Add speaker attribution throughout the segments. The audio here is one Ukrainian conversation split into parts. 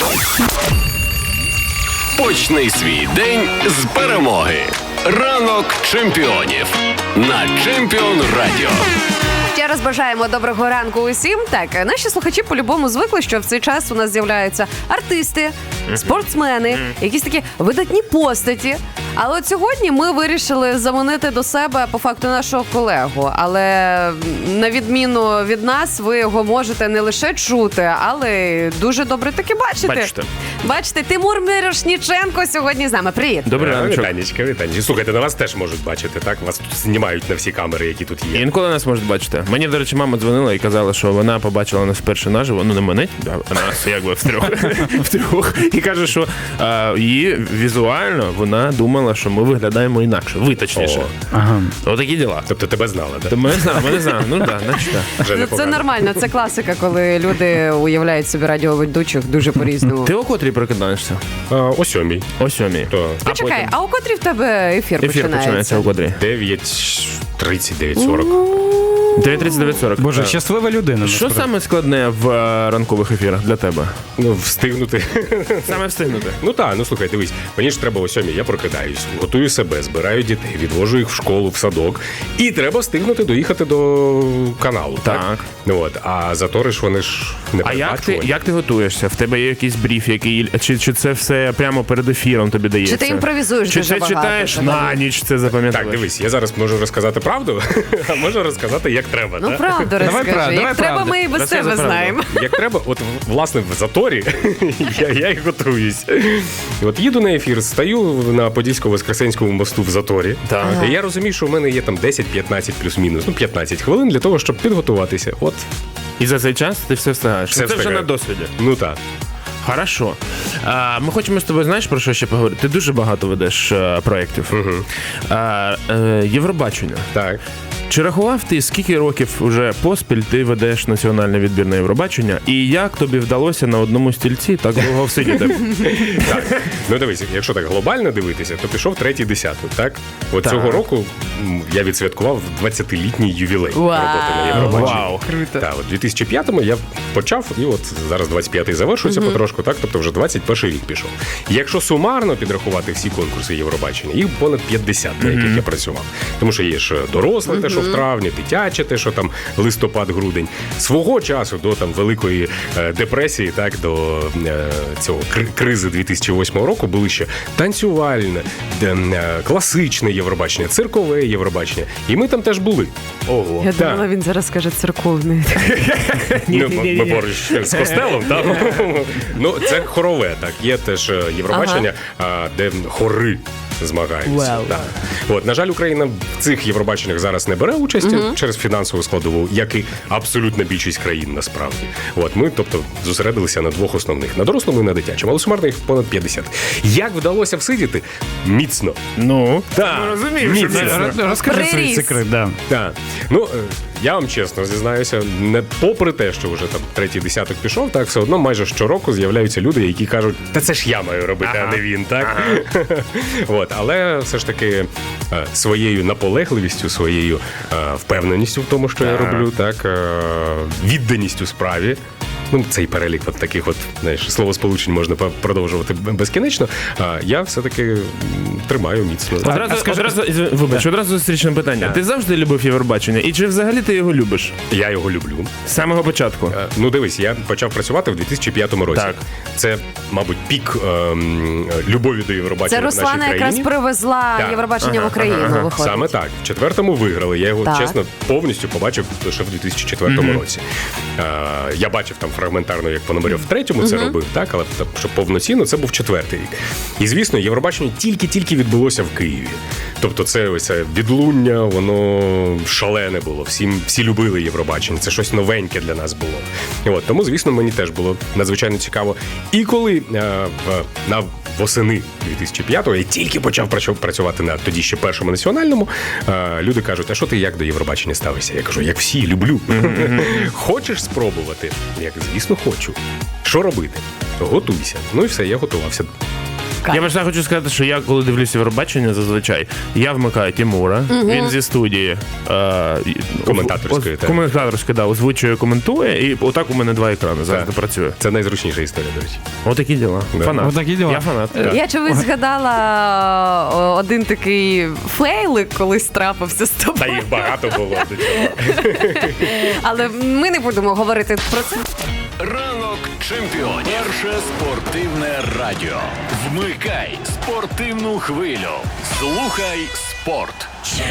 Speaker 1: Почни свій день з перемоги. Ранок чемпіонів на Чемпіон Радіо.
Speaker 2: Ще раз бажаємо доброго ранку усім. Так, наші слухачі по-любому звикли, що в цей час у нас з'являються артисти, спортсмени, якісь такі видатні постаті. Але от сьогодні ми вирішили заманити до себе по факту нашого колегу. Але на відміну від нас, ви його можете не лише чути, але й дуже добре таки бачити. Бачите, Тимур Мірошніченко сьогодні з нами. Привіт.
Speaker 3: Добрий ранок.
Speaker 4: Вітанечка. Слухайте, на вас теж можуть бачити, так? Вас тут знімають на всі камери, які тут є.
Speaker 3: Інколи нас можуть бачити. Мені, до речі, мама дзвонила і казала, що вона побачила нас вперше наживо. Ну, не мене, а нас якби втрьох. І каже, що її візуально вона думала, що ми виглядаємо інакше. Ви точніше.
Speaker 4: Ага.
Speaker 3: Отакі діла.
Speaker 4: Тобто тебе знала, так?
Speaker 3: Ми не знали. Ну так, значить так.
Speaker 2: Це нормально, це класика, коли люди уявляють собі радіоведучих дуже по-різному.
Speaker 3: Ти о котрій прокидаєшся?
Speaker 4: О 7:00.
Speaker 3: О 7:00.
Speaker 2: Почекай, а у котрій в тебе ефір
Speaker 3: починається? О котрій?
Speaker 4: 9:30, 9:40.
Speaker 3: 9:39:40.
Speaker 5: Боже, щаслива людина.
Speaker 3: Що саме складне в ранкових ефірах для тебе?
Speaker 4: Ну, встигнути.
Speaker 3: Саме встигнути?
Speaker 4: Ну так, ну слухай, дивись, мені ж треба о 7:00, я прокидаюсь, готую себе, збираю дітей, відвожу їх в школу, в садок. І треба встигнути доїхати до каналу, так? Ну от, а затори ж вони ж не передбачувані.
Speaker 3: А як ти готуєшся? В тебе є якийсь бриф, який, чи це все прямо перед ефіром тобі дається?
Speaker 2: Чи ти імпровізуєш дуже багато?
Speaker 3: Чи ти читаєш на ніч, це запам'ятаєш?
Speaker 4: Так, дивись, я зараз можу розказати правду, а можу розказати, як треба.
Speaker 2: Ну, правду розкажи. Як треба, ми і без себе знаємо.
Speaker 4: Як треба, от, власне, в заторі я і готуюсь. От їду на ефір, стою на Подільсько-Воскресенському мосту в заторі.
Speaker 3: Так.
Speaker 4: І я розумію, що в мене є там 10-15 плюс-мінус, 15 хвилин для того, щоб підготуватися. От.
Speaker 3: І за цей час ти все встигаєш?
Speaker 4: Все
Speaker 3: це
Speaker 4: встигаю.
Speaker 3: вже на досвіді.
Speaker 4: Ну так.
Speaker 3: Хорошо. Ми хочемо з тобою, знаєш, про що ще поговорити? Ти дуже багато ведеш проєктів.
Speaker 4: Угу.
Speaker 3: Євробачення.
Speaker 4: Так.
Speaker 3: Чи рахував ти, скільки років уже поспіль ти ведеш національний відбір на Євробачення? І як тобі вдалося на одному стільці так довго всидіти?
Speaker 4: Так. Ну дивись, якщо так глобально дивитися, то пішов 3-й десяток, так? От
Speaker 3: Так.
Speaker 4: цього року я відсвяткував 20-літній ювілей роботи на Євробаченні.
Speaker 3: Вау.
Speaker 2: Круто.
Speaker 4: Так, от 2005-му я почав, і от зараз 25-й завершується потрошку, так? Тобто вже 21-й рік пішов. Якщо сумарно підрахувати всі конкурси Євробачення, їх понад 50, на яких я працював. Тому що є ж доросле, те, що в травні, дитяче, те, що там листопад-грудень. Свого часу до там великої депресії, так, до цього кризи 2008 року були ще танцювальне, класичне Євробачення, циркове Євробачення. І ми там теж були.
Speaker 3: Ого.
Speaker 2: Я думала, він зараз скаже церковний.
Speaker 4: Ну, ми поруч з костелом, так? Ну, це хорове, так. Є теж Євробачення, де хори змагаються.
Speaker 2: Wow.
Speaker 4: Так. От, на жаль, Україна в цих Євробаченнях зараз не бере участі через фінансову складову, як і абсолютна більшість країн насправді. От, ми, тобто, зосередилися на двох основних, на дорослому і на дитячому, але сумарно їх понад 50. Як вдалося всидіти? Міцно.
Speaker 3: Ну,
Speaker 4: Так,
Speaker 3: розумію.
Speaker 5: Розкажи свій секрет, да.
Speaker 4: Так. Ну, я вам чесно зізнаюся, не попри те, що вже там 3-й десяток пішов, так, все одно майже щороку з'являються люди, які кажуть, та це ж я маю робити, а не він, так? От, але все ж таки своєю наполегливістю, своєю впевненістю в тому, що я роблю, так, відданістю справі. Ну, цей перелік от таких от, знаєш, словосполучень можна продовжувати безкінечно, а я все-таки тримаю міцно.
Speaker 3: Одразу зустрічне питання. Ти завжди любив Євробачення? І чи взагалі ти його любиш?
Speaker 4: Я його люблю.
Speaker 3: З самого початку?
Speaker 4: Ну, дивись, я почав працювати в 2005 році.
Speaker 3: Так.
Speaker 4: Це, мабуть, пік любові до Євробачення
Speaker 2: Це
Speaker 4: в нашій
Speaker 2: Руслана
Speaker 4: країні.
Speaker 2: якраз привезла
Speaker 4: Так.
Speaker 2: Євробачення в Україну, виходить.
Speaker 4: Саме так. В 4-му виграли. Я його,
Speaker 2: Так.
Speaker 4: чесно, повністю побачив лише в 2004 році. Я бачив там фрагментарно, як Пономарьов в 3-му це робив, так, але щоб повноцінно, це був 4-й рік. І, звісно, Євробачення тільки відбулося в Києві. Тобто це ось відлуння, воно шалене було. Всі любили Євробачення. Це щось новеньке для нас було. І от, тому, звісно, мені теж було надзвичайно цікаво. І коли на восени 2005-го я тільки почав працювати на тоді ще першому національному, люди кажуть, а що ти як до Євробачення ставишся? Я кажу, як всі, люблю. Хочеш спробувати? Я, звісно, хочу. Що робити? Готуйся. Ну і все, я готувався.
Speaker 2: шукати.
Speaker 3: Я просто хочу сказати, що я, коли дивлюся Євробачення, зазвичай, я вмикаю Тимура, він зі студії коментаторської, озвучує, коментує, і отак у мене 2 екрани завжди працює.
Speaker 4: Це найзручніша історія, до речі.
Speaker 3: Отакі діла.
Speaker 4: Да.
Speaker 3: Фанат.
Speaker 5: Отакі діла.
Speaker 3: Я фанат.
Speaker 2: Я чомусь згадала один такий фейлик, колись трапився з
Speaker 4: Та
Speaker 2: тобою.
Speaker 4: їх багато було до цього.
Speaker 2: Але ми не будемо говорити про це.
Speaker 1: Ранок чемпіонів. Перше спортивне радіо. Вмикай спортивну хвилю. Слухай спорт.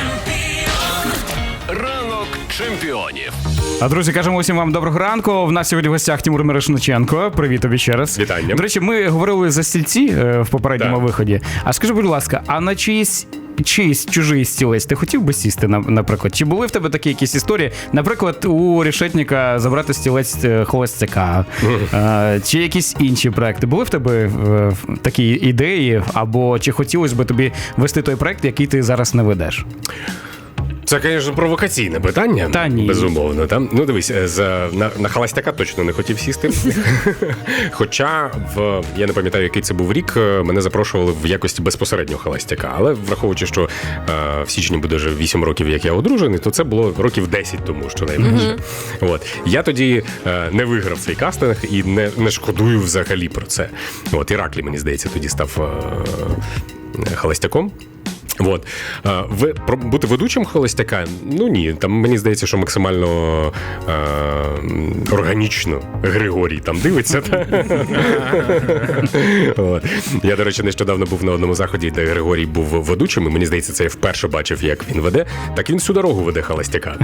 Speaker 1: Ранок чемпіонів.
Speaker 5: А, друзі, кажемо усім вам доброго ранку. В нас сьогодні в гостях Тимур Мірошниченко. Привіт тобі ще раз.
Speaker 4: Вітання.
Speaker 5: До речі, ми говорили за стільці в попередньому
Speaker 4: Так.
Speaker 5: виході. А скажи, будь ласка, а на чийсь чужий стілець ти хотів би сісти, наприклад? Чи були в тебе такі якісь історії? Наприклад, у Решетніка забрати стілець холостяка, чи якісь інші проекти? Були в тебе такі ідеї? Або чи хотілося б тобі вести той проект, який ти зараз не ведеш?
Speaker 4: Це, звісно, провокаційне питання.
Speaker 5: Та ні.
Speaker 4: Безумовно. Та? Ну, дивись, на холостяка точно не хотів сісти. Хоча, я не пам'ятаю, який це був рік, мене запрошували в якості безпосереднього холостяка. Але враховуючи, що в січні буде вже 8 років, як я одружений, то це було років 10 тому, що найменше. От. Я тоді не виграв цей кастинг і не шкодую взагалі про це. От, Іраклій, мені здається, тоді став холостяком. От. Бути ведучим холостяка? Ну ні, там мені здається, що максимально органічно Григорій там дивиться. От. Я, до речі, нещодавно був на одному заході, де Григорій був ведучим, і мені здається, це я вперше бачив, як він веде. Так він всю дорогу веде холостяка.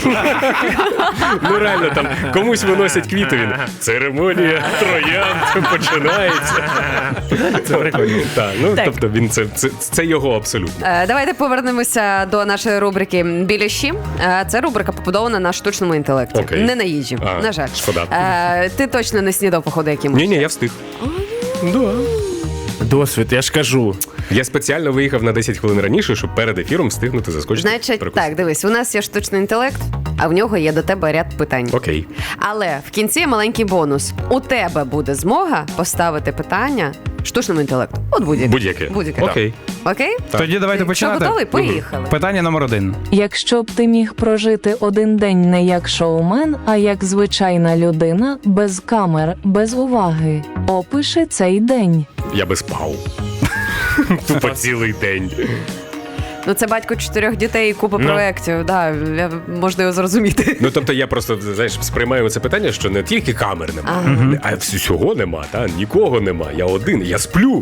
Speaker 4: Ну реально, там комусь виносять квіти, він церемонія троянд починається.
Speaker 3: Це прикольно.
Speaker 4: Так, ну, тобто він це його абсолютно.
Speaker 2: Давайте повернемося до нашої рубрики «Біляші». Це рубрика побудована на штучному інтелекті.
Speaker 4: Окей.
Speaker 2: Не на їжі, на жаль.
Speaker 4: Шкода.
Speaker 2: Ти точно не снідав, походу, якимось.
Speaker 4: Ні, я встиг. Да.
Speaker 3: Досвід, я ж кажу.
Speaker 4: Я спеціально виїхав на 10 хвилин раніше, щоб перед ефіром встигнути заскочити.
Speaker 2: Значить,
Speaker 4: перекусити.
Speaker 2: так, дивись, у нас є штучний інтелект, а в нього є до тебе ряд питань.
Speaker 4: Окей.
Speaker 2: Але в кінці маленький бонус. У тебе буде змога поставити питання штучному інтелекту. От будь-яке.
Speaker 4: Будь-яке.
Speaker 2: Окей?
Speaker 4: Окей.
Speaker 5: Тоді давайте
Speaker 2: Що,
Speaker 5: починати.
Speaker 2: готовий? Поїхали.
Speaker 5: Питання номер 1.
Speaker 6: Якщо б ти міг прожити один день не як шоумен, а як звичайна людина, без камер, без уваги, опиши цей день.
Speaker 4: Я би спав. Тупо цілий день.
Speaker 2: Ну, це батько 4 дітей і купа проєктів. Да, можна його зрозуміти.
Speaker 4: Ну, тобто я просто, знаєш, сприймаю це питання, що не тільки камер нема, а всього нема, нікого нема. Я один, я сплю.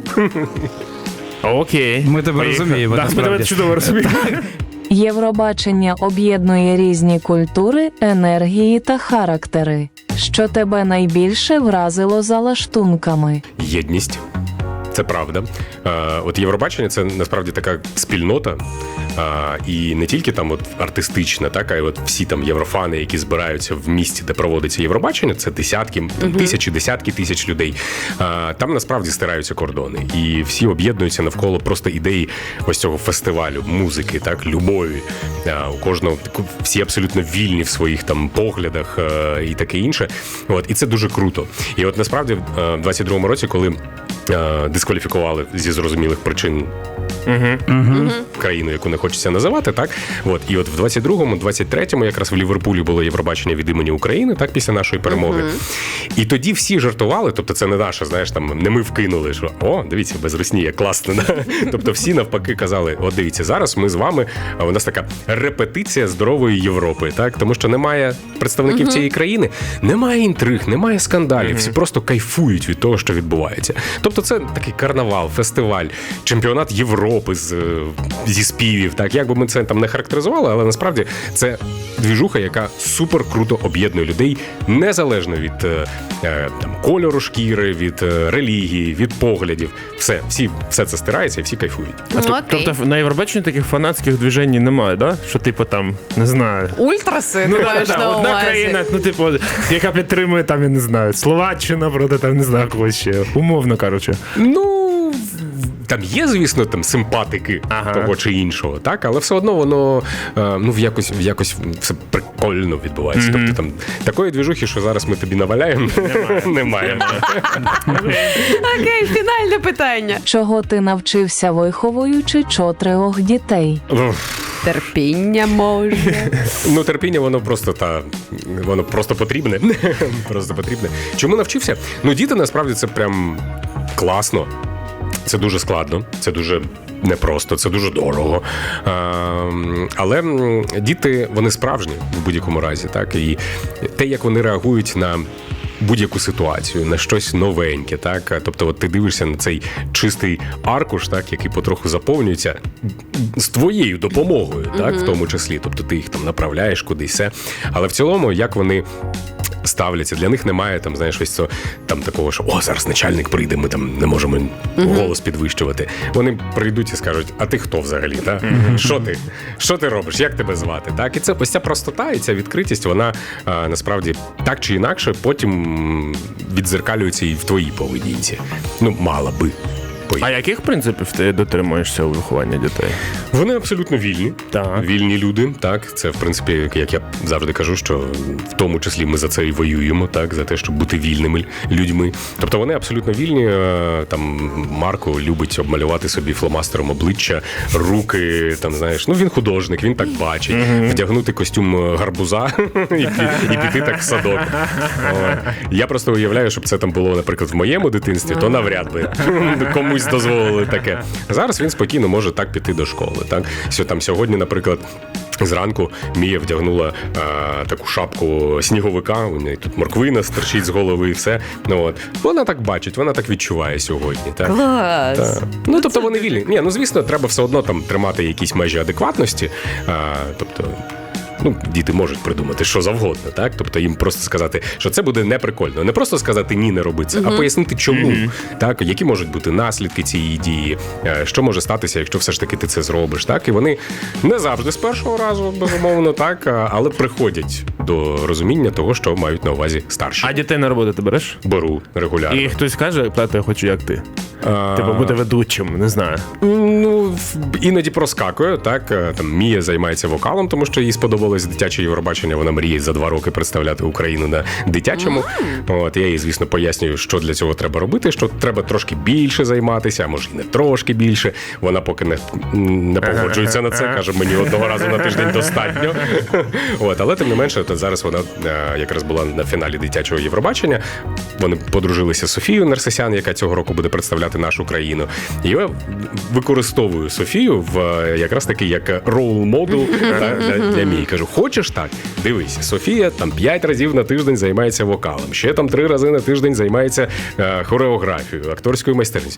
Speaker 3: Окей.
Speaker 5: Ми тебе розуміємо,
Speaker 3: Так, ми тебе
Speaker 5: насправді.
Speaker 3: чудово розуміємо.
Speaker 6: Євробачення об'єднує різні культури, енергії та характери. Що тебе найбільше вразило за лаштунками?
Speaker 4: Єдність. Це правда. От Євробачення – це насправді така спільнота, і не тільки там от артистична, так, а й от всі там єврофани, які збираються в місті, де проводиться Євробачення, це десятки, тисячі, десятки тисяч людей. Там насправді стираються кордони, і всі об'єднуються навколо просто ідеї ось цього фестивалю, музики, так, любові. У кожного всі абсолютно вільні в своїх там поглядах і таке інше. От, і це дуже круто. І от насправді в 22-му році, коли дискваліфікували зі зрозумілих причин країну, яку не хочеться називати, так? От, і от в 22-му, 23-му якраз в Ліверпулі було Євробачення від імені України, так, після нашої перемоги. І тоді всі жартували, тобто це не наша, знаєш, там, не ми вкинули, що, о, дивіться, без Росії, класно, да? Тобто всі навпаки казали, от дивіться, зараз ми з вами, у нас така репетиція здорової Європи, так? Тому що немає представників цієї країни, немає інтриг, немає скандалів, всі просто кайфують від того, що відбувається. Тобто це такий карнавал, фестиваль, чемпіонат Європи зі співів, так, як би ми це там не характеризували, але насправді це двіжуха, яка супер круто об'єднує людей, незалежно від там, кольору шкіри, від релігії, від поглядів. Все це стирається і всі кайфують.
Speaker 3: Тобто на Євробаченні таких фанатських движень немає, да? Що типу там, не знаю.
Speaker 2: Ультраси, ти маєш на
Speaker 3: Одна
Speaker 2: увазі?
Speaker 3: країна, ну типу, яка підтримує там, я не знаю, Словаччина проти там, не знаю, когось ще. Умовно, коротше.
Speaker 4: Ну, там є, звісно, там симпатики того чи іншого, так, але все одно воно якось все прикольно відбувається. Тобто там такої двіжухи, що зараз ми тобі наваляємо, немає.
Speaker 2: Окей, фінальне питання.
Speaker 6: Чого ти навчився, виховуючи 4 дітей?
Speaker 2: Терпіння може.
Speaker 4: Ну, терпіння, воно просто потрібне. Просто потрібне. Чому навчився? Ну, діти, насправді, це прям класно. Це дуже складно, це дуже непросто, це дуже дорого. Але діти, вони справжні в будь-якому разі, так? І те, як вони реагують на будь-яку ситуацію, на щось новеньке, так? Тобто, от ти дивишся на цей чистий аркуш, так, який потроху заповнюється з твоєю допомогою, так, в тому числі. Тобто ти їх там направляєш кудись, все. Але в цілому, як вони ставляться, для них немає там, знаєш, ось цього, там такого, що зараз начальник прийде, ми там не можемо голос підвищувати. Вони прийдуть і скажуть: а ти хто взагалі? Так? Що ти робиш? Як тебе звати? Так? І це ось ця простота і ця відкритість, вона насправді так чи інакше потім віддзеркалюється і в твоїй поведінці. Ну, мала би.
Speaker 3: А яких принципів ти дотримуєшся у вихованні дітей?
Speaker 4: Вони абсолютно вільні.
Speaker 3: Так.
Speaker 4: Вільні люди, так. Це, в принципі, як я завжди кажу, що в тому числі ми за це і воюємо, так, за те, щоб бути вільними людьми. Тобто вони абсолютно вільні. Там Марко любить обмалювати собі фломастером обличчя, руки, там, знаєш, ну він художник, він так бачить. Вдягнути костюм гарбуза і піти так в садок. Я просто уявляю, щоб це там було, наприклад, в моєму дитинстві, то навряд би комусь дозволили таке. Зараз він спокійно може так піти до школи. Так? Там сьогодні, наприклад, зранку Мія вдягнула таку шапку сніговика, у неї тут морквина стерчить з голови і все. Ну, от. Вона так бачить, вона так відчуває сьогодні. Так?
Speaker 2: Клас!
Speaker 4: Так. Ну, тобто вони вільні. Ні, ну, звісно, треба все одно там тримати якісь межі адекватності. Тобто, ну, діти можуть придумати що завгодно, так? Тобто їм просто сказати, що це буде неприкольно. Не просто сказати «ні, не роби це», а пояснити чому. Так? Які можуть бути наслідки цієї дії, що може статися, якщо все ж таки ти це зробиш. Так? І вони не завжди з першого разу, безумовно, так, але приходять до розуміння того, що мають на увазі старші.
Speaker 3: А дітей на роботу ти береш?
Speaker 4: Беру регулярно.
Speaker 3: І хтось каже: тато, я хочу як ти. Типу бути ведучим, не знаю.
Speaker 4: Ну, іноді проскакує, так. Там Мія займається вокалом, тому що їй сподобалось дитяче Євробачення. Вона мріє за 2 роки представляти Україну на дитячому. От, я їй, звісно, пояснюю, що для цього треба робити, що треба трошки більше займатися, а може і не трошки більше. Вона поки не погоджується на це, каже, мені одного разу на тиждень достатньо. От, але тим не менше, то зараз вона якраз була на фіналі дитячого Євробачення. Вони подружилися з Софією Нерсесян, яка цього року буде представляти нашу країну. І я використовую Софію якраз таки як роул-модел для Мії. Кажу, хочеш так? Дивись, Софія там 5 разів на тиждень займається вокалом, ще там 3 рази на тиждень займається хореографією, акторською майстерністю.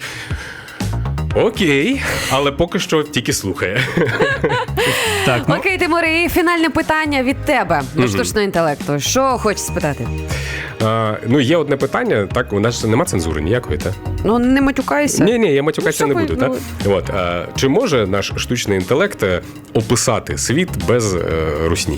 Speaker 4: Окей, але поки що тільки слухає.
Speaker 5: Так, ну,
Speaker 2: Окей, Тимуре, і фінальне питання від тебе до штучного інтелекту. Що хочеш спитати?
Speaker 4: Ну, є одне питання, так, у нас нема цензури ніякої, так?
Speaker 2: Ну, не матюкайся.
Speaker 4: Ні, я матюкатися
Speaker 2: Ну,
Speaker 4: не буду, так? От, чи може наш штучний інтелект описати світ без русні?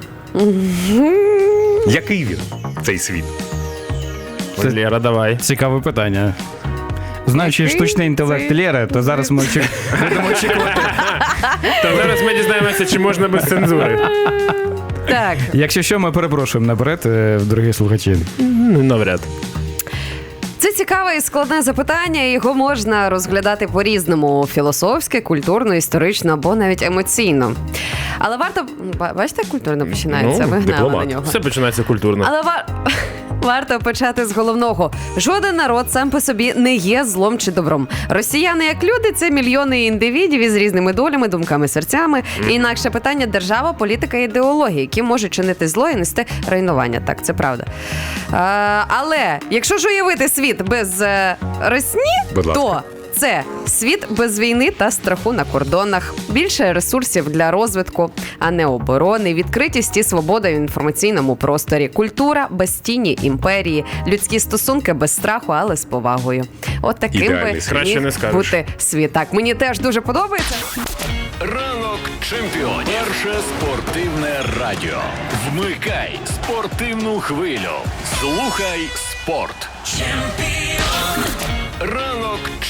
Speaker 4: Який він, цей світ?
Speaker 3: Лєра, давай.
Speaker 5: цікаве питання. Знаючи
Speaker 2: Який
Speaker 5: штучний інтелект
Speaker 2: цей
Speaker 5: Лєри, то зараз ми будемо очікувати.
Speaker 3: То зараз ми дізнаємося, чи можна без цензури.
Speaker 2: Так.
Speaker 5: Якщо що, ми перепрошуємо наперед, дорогі слухачі.
Speaker 3: Навряд.
Speaker 2: Це цікаве і складне запитання, і його можна розглядати по-різному: філософськи, культурно, історично або навіть емоційно. Але варто... Бачите, як культурно починається?
Speaker 4: Ну,
Speaker 2: Ви гнали
Speaker 4: дипломат.
Speaker 2: на нього.
Speaker 3: Все починається культурно.
Speaker 2: Але варто почати з головного. Жоден народ сам по собі не є злом чи добром. Росіяни як люди – це мільйони індивідів із різними долями, думками, серцями. І інакше питання – держава, політика і ідеологія, які можуть чинити зло і нести руйнування. Так, це правда. Але якщо ж уявити світ без росні,
Speaker 4: Будь ласка.
Speaker 2: то це світ без війни та страху на кордонах, більше ресурсів для розвитку, а не оборони, відкритість і свобода в інформаційному просторі, культура без тіні імперії, людські стосунки без страху, але з повагою. От таким
Speaker 4: Ідеальний
Speaker 2: би
Speaker 4: світ.
Speaker 3: Краще не
Speaker 2: міг
Speaker 3: скажеш.
Speaker 2: бути світ. Так, мені теж дуже подобається.
Speaker 1: Ранок чемпіонів. Перше спортивне радіо. Вмикай спортивну хвилю. Слухай спорт. Ранок чемпіонів.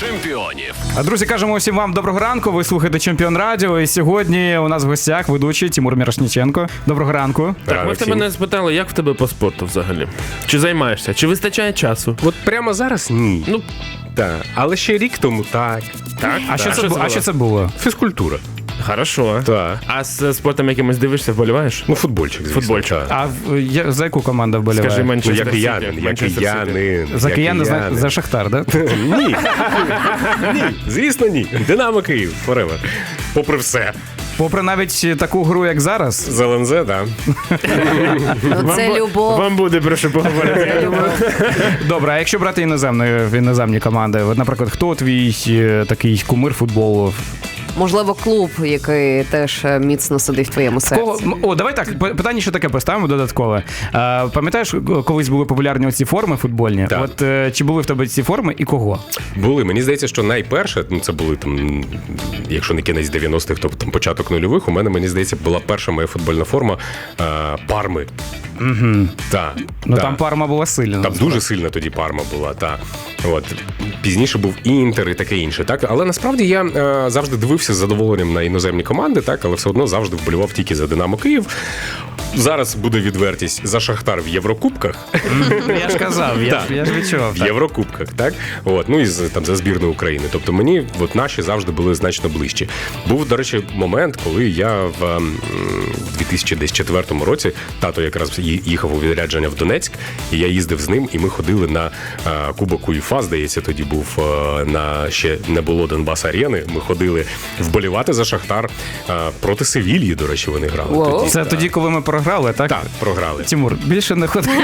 Speaker 1: чемпіонів.
Speaker 5: Друзі, кажемо усім вам доброго ранку. Ви слухаєте Чемпіон Радіо. І сьогодні у нас в гостях ведучий Тимур Мірошніченко. Доброго ранку.
Speaker 3: Так, ми в тебе не спитали, як в тебе по спорту взагалі? Чи займаєшся? Чи вистачає часу?
Speaker 4: От прямо зараз ні.
Speaker 3: Ну,
Speaker 4: Так. Але ще рік тому так.
Speaker 3: так.
Speaker 5: А що це було?
Speaker 4: Фізкультура.
Speaker 3: Хорошо.
Speaker 4: Так.
Speaker 3: А з спортом якимось дивишся, вболіваєш?
Speaker 4: Ну, футбольчик, звісно.
Speaker 3: Футбольчик.
Speaker 4: Так.
Speaker 5: За яку команду вболіває?
Speaker 3: Скажи,
Speaker 4: Ну,
Speaker 3: Манчестер
Speaker 4: як
Speaker 3: Сіті.
Speaker 4: киянин, як
Speaker 3: Манчестер Сіті.
Speaker 4: киянин.
Speaker 5: За
Speaker 4: як
Speaker 5: кияни,
Speaker 4: киянин.
Speaker 5: за Шахтар, да?
Speaker 4: Ні. Ні. Звісно, ні. Динамо Київ, forever. Попри все.
Speaker 5: Попри навіть таку гру, як зараз.
Speaker 4: З ЛНЗ, так.
Speaker 2: Ну, це любов.
Speaker 3: Вам буде про що поговорити.
Speaker 2: Це любов.
Speaker 5: Добре, а якщо брати іноземні команди, от, наприклад, хто твій такий кумир футболу?
Speaker 2: Можливо, клуб, який теж міцно сидить в твоєму серці.
Speaker 5: Давай так, питання ще таке поставимо додаткове. Пам'ятаєш, колись були популярні оці форми футбольні?
Speaker 4: Так.
Speaker 5: От чи були в тебе ці форми і кого?
Speaker 4: Були. Мені здається, що найперше, це були там, якщо не кінець 90-х, то там початок нульових, у мене, мені здається, була перша моя футбольна форма Парми. Угу. Так.
Speaker 5: Ну там Парма була сильна.
Speaker 4: Там дуже сильна тоді Парма була, так. От. Пізніше був Інтер і таке інше, так? Але насправді я завжди дивився з задоволенням на іноземні команди, так? Але все одно завжди вболівав тільки за Динамо Київ. Зараз буде відвертість за Шахтар в Єврокубках.
Speaker 5: Я ж казав, я ж відчував.
Speaker 4: В Єврокубках, так? От, ну і там за збірну України. Тобто мені от наші завжди були значно ближчі. Був, до речі, момент, коли я в 2004 році, тато якраз їхав у відрядження в Донецьк, і я їздив з ним, і ми ходили на Кубок УЄФА, здається, тоді був на ще не було Донбас-арени. Ми ходили вболівати за Шахтар проти Севільї, до речі, вони грали.
Speaker 2: Wow.
Speaker 4: Тоді.
Speaker 5: Це тоді, коли ми програли, так?
Speaker 4: Так, програли.
Speaker 5: Тимур, більше не ходи.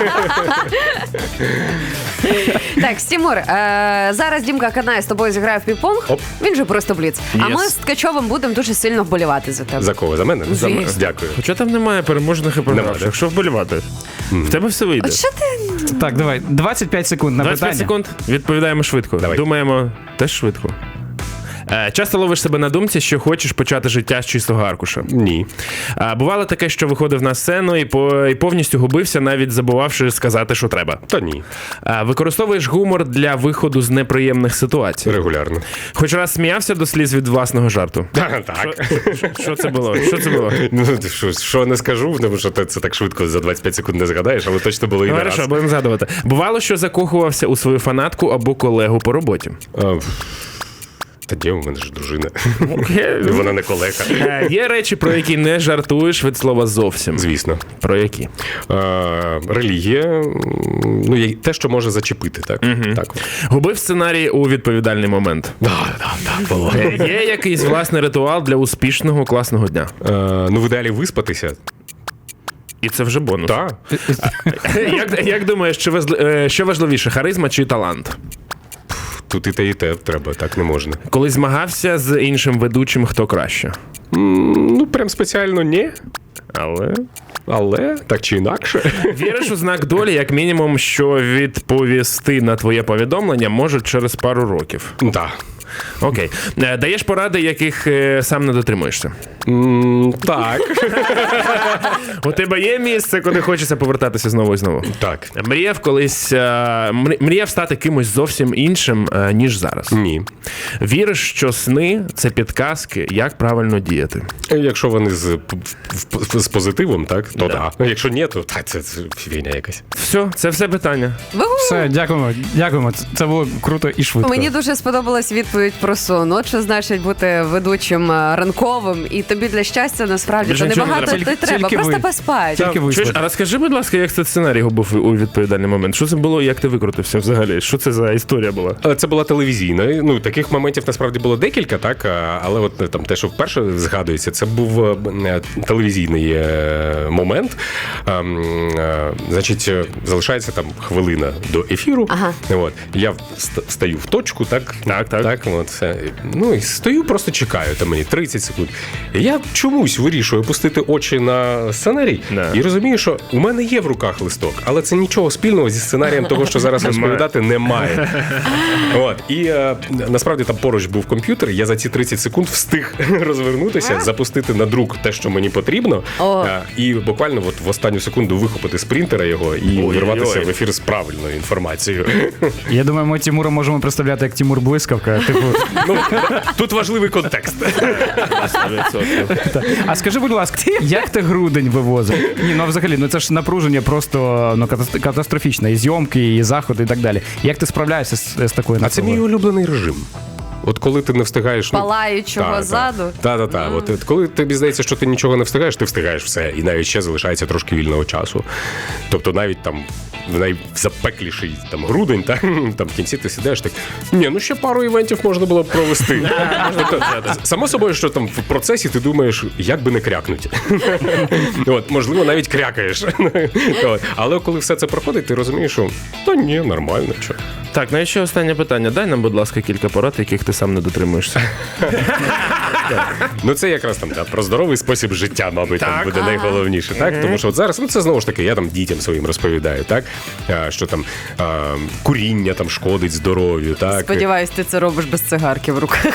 Speaker 2: Так, Тимур, зараз Дімка Канає з тобою зіграє в пінг-понг.
Speaker 4: Оп.
Speaker 2: Він же просто бліц. А
Speaker 3: Yes.
Speaker 2: ми з Ткачовим будемо дуже сильно вболівати за тебе.
Speaker 4: За кого? За мене? За мене.
Speaker 2: Звісно.
Speaker 4: Дякую.
Speaker 3: Хоча там немає переможних і
Speaker 4: Немає,
Speaker 3: програвших.
Speaker 4: да?
Speaker 3: Якщо вболівати, в тебе все вийде.
Speaker 2: От що ти?
Speaker 5: Так, давай, 25 секунд на
Speaker 3: 25
Speaker 5: питання.
Speaker 3: секунд, відповідаємо швидко.
Speaker 4: Давай.
Speaker 3: Думаємо теж швидко. Часто ловиш себе на думці, що хочеш почати життя з чистого аркуша.
Speaker 4: Ні.
Speaker 3: Бувало таке, що виходив на сцену і повністю губився, навіть забувавши сказати, що треба.
Speaker 4: Та ні.
Speaker 3: Використовуєш гумор для виходу з неприємних ситуацій.
Speaker 4: Регулярно.
Speaker 3: Хоч раз сміявся до сліз від власного жарту.
Speaker 4: Так.
Speaker 3: Що це було? Що це було?
Speaker 4: Ну, що не скажу, тому що ти це так швидко за 25 секунд не згадаєш, але точно було і не
Speaker 3: Хорошо,
Speaker 4: раз.
Speaker 3: будемо згадувати. Бувало, що закохувався у свою фанатку або колегу по роботі.
Speaker 4: Та де, у мене ж дружина. Вона не колега.
Speaker 3: Є речі, про які не жартуєш від слова зовсім.
Speaker 4: Звісно.
Speaker 3: Про які?
Speaker 4: Релігія, ну, те, що може зачепити, так. Так.
Speaker 3: Губив сценарій у відповідальний момент.
Speaker 4: Так, було.
Speaker 3: Є якийсь власний ритуал для успішного класного дня.
Speaker 4: Ну, в ідеалі виспатися.
Speaker 3: І це вже бонус.
Speaker 4: Так.
Speaker 3: Як думаєш, що важливіше, харизма чи талант?
Speaker 4: Тут і те треба, так не можна.
Speaker 3: Коли змагався з іншим ведучим, хто краще?
Speaker 4: Ну, прям спеціально ні.
Speaker 3: Але
Speaker 4: Так чи інакше.
Speaker 3: віриш у знак долі, як мінімум, що відповісти на твоє повідомлення можуть через пару років.
Speaker 4: Так.
Speaker 3: Окей. Даєш поради, яких сам не дотримуєшся?
Speaker 4: Так.
Speaker 3: У тебе є місце, куди хочеться повертатися знову і знову?
Speaker 4: Так.
Speaker 3: Мріяв стати кимось зовсім іншим, ніж зараз.
Speaker 4: Ні.
Speaker 3: Віриш, що сни – це підказки, як правильно діяти?
Speaker 4: Якщо вони з позитивом, так, то да. Якщо ні, то це фігня якась.
Speaker 3: Це все питання.
Speaker 5: Все, дякуємо. Це було круто і швидко.
Speaker 2: Мені дуже сподобалась відповідь про сон. От що значить бути ведучим ранковим, і тобі для щастя насправді
Speaker 3: Більше
Speaker 2: то
Speaker 3: нічого не
Speaker 2: небагато
Speaker 3: треба.
Speaker 2: не треба.
Speaker 5: Тільки
Speaker 2: Просто
Speaker 5: ви.
Speaker 2: поспати.
Speaker 5: Тільки
Speaker 3: Чуєш,
Speaker 5: виспати.
Speaker 3: а розкажи, будь ласка, як цей сценарій губив у відповідальний момент? Що це було і як ти викрутився взагалі? Що це за історія була?
Speaker 4: Це була телевізійна. Ну, таких моментів насправді було декілька, так. Але от там те, що вперше згадується, це був телевізійний момент. Значить, залишається там хвилина до ефіру.
Speaker 2: Ага.
Speaker 4: От. Я стаю в точку, так. Так. От, все. Ну, і стою, просто чекаю, там мені 30 секунд. І я чомусь вирішую опустити очі на сценарій і розумію, що у мене є в руках листок, але це нічого спільного зі сценарієм того, що зараз розповідати, немає. От. І насправді там поруч був комп'ютер, я за ці 30 секунд встиг розвернутися, запустити на друк те, що мені потрібно, і буквально от в останню секунду вихопити з принтера його і вирватися в ефір з правильною інформацією.
Speaker 5: Я думаю, ми Тимура можемо представляти як Тимур Блискавка. Типу,
Speaker 4: Ну, тут важливий контекст.
Speaker 3: 100%.
Speaker 5: а скажи, будь ласка, як ти грудень вивозив? Ні, ну взагалі, ну це ж напруження просто ну, катастрофічне. І зйомки, і заходи, і так далі. Як ти справляєшся з такою
Speaker 4: А це мій улюблений режим. От коли ти не встигаєш...
Speaker 2: Палаючого ззаду.
Speaker 4: Так. От коли тобі здається, що ти нічого не встигаєш, ти встигаєш все. І навіть ще залишається трошки вільного часу. Тобто навіть там в найзапекліший там грудень, там в кінці ти сидиш так, ні, ну ще пару івентів можна було б провести. Тобто, само собою, що там в процесі ти думаєш, як би не крякнути. От, можливо, навіть крякаєш. От. Але коли все це проходить, ти розумієш, що та ні, нормально. Що.
Speaker 3: Так, ну і ще останнє питання. Дай нам, будь ласка, кілька порад, яких ти сам не дотримуєшся.
Speaker 4: Ну це якраз там про здоровий спосіб життя, мабуть, там буде найголовніше. Так? Тому що от зараз, ну це знову ж таки, я там дітям своїм розповідаю, так? Що там куріння там шкодить здоров'ю. Так?
Speaker 2: Сподіваюсь, ти це робиш без цигарки в руках.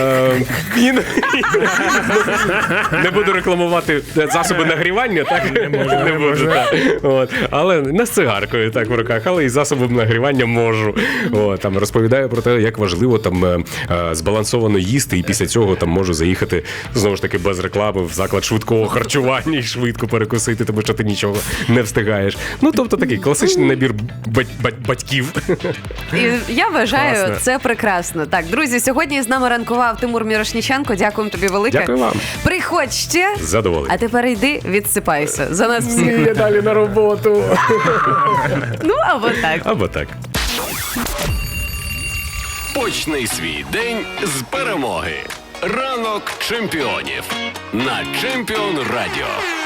Speaker 4: Не буду рекламувати засоби нагрівання, так? Не можу. Так. От. Але не з цигаркою так в руках, але і засобом нагрівання можу. От. Там розповідаю про те, як важливо там збалансовано їсти, і після цього там можу заїхати, знову ж таки, без реклами в заклад швидкого харчування і швидко перекусити, тому що ти нічого не встигаєш. Ну, тобто такий класичний набір батьків.
Speaker 2: І я вважаю, це прекрасно. Так, друзі, сьогодні з нами ранкував Тимур Мірошніченко. Дякуємо тобі велике.
Speaker 4: Дякую вам.
Speaker 2: Приходь ще.
Speaker 4: Задоволений.
Speaker 2: А тепер йди, відсипайся. За нас всіх.
Speaker 4: Я далі на роботу.
Speaker 2: Ну, або так.
Speaker 4: Або так.
Speaker 1: Почни свій день з перемоги. Ранок чемпіонів на Чемпіон Радіо.